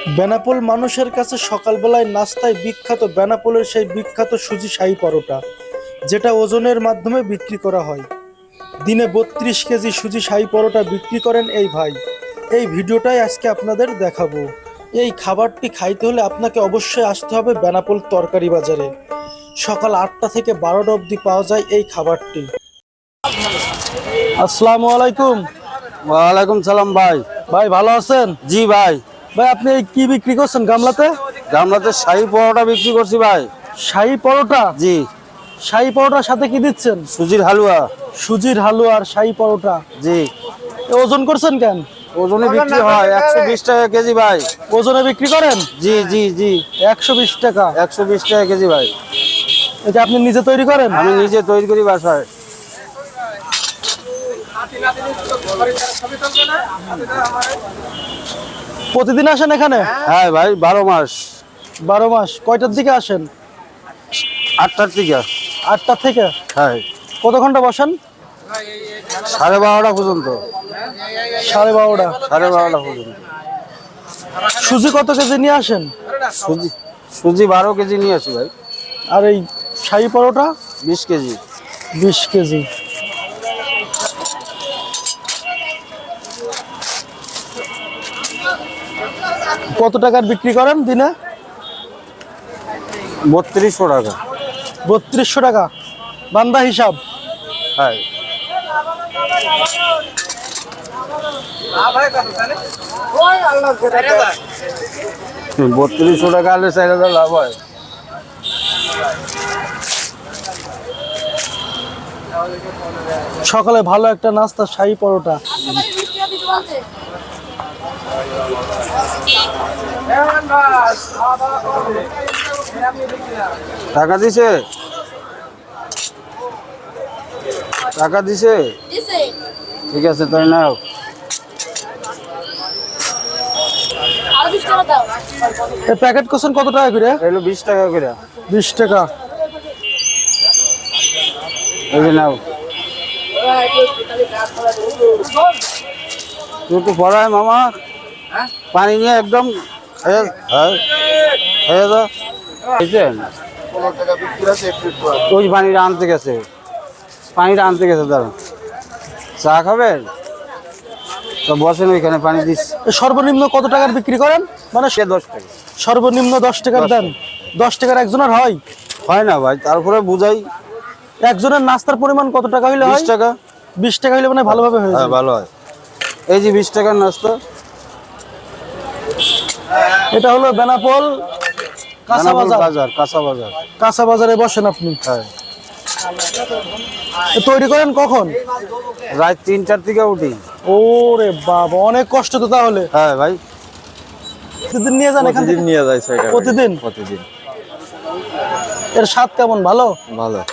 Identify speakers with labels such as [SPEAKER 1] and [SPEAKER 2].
[SPEAKER 1] বেনাপোল মানুষের কাছে সকালবেলায় নাস্তায় বিখ্যাত বেনাপোলের সেই বিখ্যাত সুজি শাহী পরোটা, যেটা ওজনের মাধ্যমে বিক্রি করা হয়। দিনে 32 কেজি সুজি শাহী পরোটা বিক্রি করেন এই ভাই। এই ভিডিওটাই আজকে আপনাদের দেখাবো। এই খাবারটি খাইতে হলে আপনাকে অবশ্যই আসতে হবে বেনাপোল তরকারি বাজারে। সকাল 8টা থেকে 12টা অবধি পাওয়া যায় এই খাবারটি। আসসালামু আলাইকুম।
[SPEAKER 2] ওয়ালাইকুম সালাম ভাই।
[SPEAKER 1] ভাই ভালো আছেন?
[SPEAKER 2] জি ভাই।
[SPEAKER 1] ভাই আপনি এই কি বিক্রি করছেন গামলাতে?
[SPEAKER 2] গামলাতে শাহী পরোটা বিক্রি করছি ভাই।
[SPEAKER 1] শাহী পরোটা?
[SPEAKER 2] জি।
[SPEAKER 1] শাহী পরোটার সাথে কি দিচ্ছেন?
[SPEAKER 2] সুজির হালুয়া।
[SPEAKER 1] সুজির হালুয়া আর শাহী পরোটা।
[SPEAKER 2] জি।
[SPEAKER 1] ওজন করছেন কেন?
[SPEAKER 2] ওজনে বিক্রি হয় 120 টাকা কেজি ভাই।
[SPEAKER 1] ওজনে বিক্রি করেন?
[SPEAKER 2] জি জি জি।
[SPEAKER 1] 120 টাকা।
[SPEAKER 2] 120 টাকা কেজি ভাই।
[SPEAKER 1] এটা আপনি নিজে তৈরি করেন?
[SPEAKER 2] আমি নিজে তৈরি করি বাসায়।
[SPEAKER 1] প্রতিদিন আসেন এখানে?
[SPEAKER 2] হ্যাঁ ভাই, 12 মাস।
[SPEAKER 1] 12 মাস। কয়টার দিকে আসেন?
[SPEAKER 2] 8টার থেকে।
[SPEAKER 1] 8টা থেকে?
[SPEAKER 2] হ্যাঁ।
[SPEAKER 1] কত ঘন্টা বসেন?
[SPEAKER 2] 12:30 পর্যন্ত।
[SPEAKER 1] 12:30।
[SPEAKER 2] 12:30 পর্যন্ত।
[SPEAKER 1] সুজি কত কেজি নিয়ে আসেন?
[SPEAKER 2] সুজি 12 কেজি নিয়ে আসি ভাই।
[SPEAKER 1] আর এই শাহী পরোটা?
[SPEAKER 2] 20 কেজি।
[SPEAKER 1] 20 কেজি। কত টাকার বিক্রি করেন দিনে?
[SPEAKER 2] 3200 টাকা।
[SPEAKER 1] 3200 টাকা বান্দা হিসাব?
[SPEAKER 2] হ্যাঁ। 3200 টাকা হলে 4000 লাভ হয়।
[SPEAKER 1] সকালে ভালো একটা নাস্তা শাহী পরোটা।
[SPEAKER 2] টাকা দিছে? টাকা দিছে? ঠিক আছে তাই নাও।
[SPEAKER 1] এই প্যাকেট করছেন কত টাকা করে?
[SPEAKER 2] এলো 20 টাকা করে।
[SPEAKER 1] 20 টাকা।
[SPEAKER 2] এই যে নাও। তুই একটু পড়ায় মামা, পানি নিয়ে একদম খেয়ে দাও। ওই পানিটা আনতে গেছে, দাঁড়ান। চা খাবেন তো বসেন ওইখানে, পানি দিস।
[SPEAKER 1] সর্বনিম্ন কত টাকার বিক্রি করেন? মানে
[SPEAKER 2] 10 টাকা।
[SPEAKER 1] সর্বনিম্ন 10 টাকার দেন? 10 টাকার একজনের হয়?
[SPEAKER 2] হয় না ভাই, তারপরে বুঝাই।
[SPEAKER 1] একজনের নাস্তার পরিমাণ কত টাকা হইলে হয়?
[SPEAKER 2] 20 টাকা।
[SPEAKER 1] 20 টাকা হইলে মানে ভালোভাবে হয়ে
[SPEAKER 2] হ্যাঁ
[SPEAKER 1] যায়।
[SPEAKER 2] ভালো হয়। এই যে 20 টাকার নাস্তা।
[SPEAKER 1] এটা হলো বেনাপোল কাঁচা বাজার। কাঁচা বাজারে বসেন আপনি?
[SPEAKER 2] হ্যাঁ।
[SPEAKER 1] তৈরি করেন কখন?
[SPEAKER 2] রাত 3টার থেকে উঠি।
[SPEAKER 1] ওরে বাবা, অনেক কষ্ট তো তাহলে।
[SPEAKER 2] হ্যাঁ ভাই।
[SPEAKER 1] প্রতিদিন নিয়ে যান এখান থেকে?
[SPEAKER 2] নিয়ে যাই
[SPEAKER 1] প্রতিদিন?
[SPEAKER 2] প্রতিদিন।
[SPEAKER 1] এর স্বাদ কেমন? ভালো?
[SPEAKER 2] ভালো।